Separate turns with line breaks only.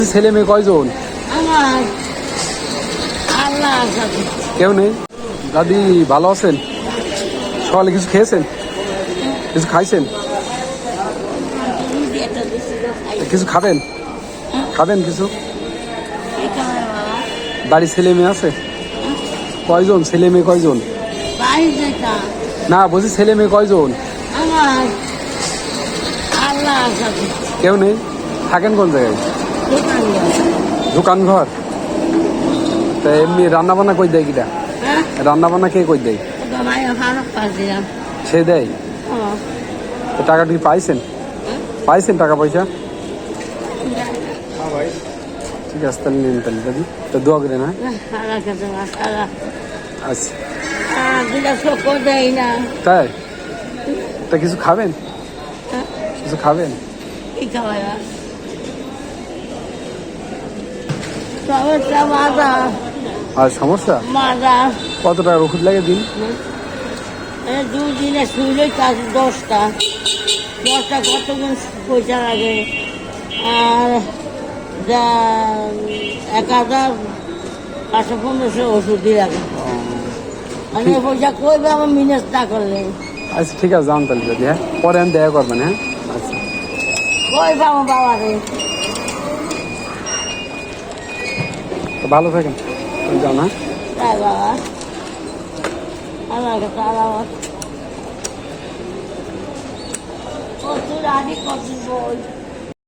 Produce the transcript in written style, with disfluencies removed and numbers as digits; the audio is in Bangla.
ছেলে মেয়ে কয়জন?
আমার আল্লাহ
কেউ নেই। দাদি ভালো আছেন? সকালে কিছু খেয়েছেন? কিছু খাইছেন? কিছু খাবেন? খাবেন কিছু? বাড়ি ছেলে মেয়ে আছে কয়জন? ছেলে মেয়ে কয়জন? না বলছি ছেলে মেয়ে কয়জন?
আমার আল্লাহ
কেউ নেই। থাকেন কোন জায়গায়? দোকান ঘর। তা এমনি রান্না বান্না কই দেয় কিটা? রান্না বান্না কে কই দেয়? সে দেয়। তো টাকা কি পাইছেন? পাইছেন টাকা পয়সা? ঠিক আছে তাহলে নিন তাহলে দাদি, তো দোয়া করে না। আচ্ছা তাই? তা কিছু খাবেন? কিছু খাবেন? আর সমস্যা কত টাকার ওষুধ লাগে দিন?
2 দিনে শুইলে 10টা কতগুণ পয়সা লাগে। আর 1500 ওষুধই লাগে। মানে পয়সা কইবে আমার মিনেস না করলে।
আচ্ছা ঠিক আছে যান তাহলে দাদি, হ্যাঁ পরে আমি দেখা করবেন। হ্যাঁ আচ্ছা
কই পাবো বাবা রে।
ভালো থাকেন, যান। হ্যাঁ
তাই বাবা আমার কাছে আলাদা কত রাডি কত বই।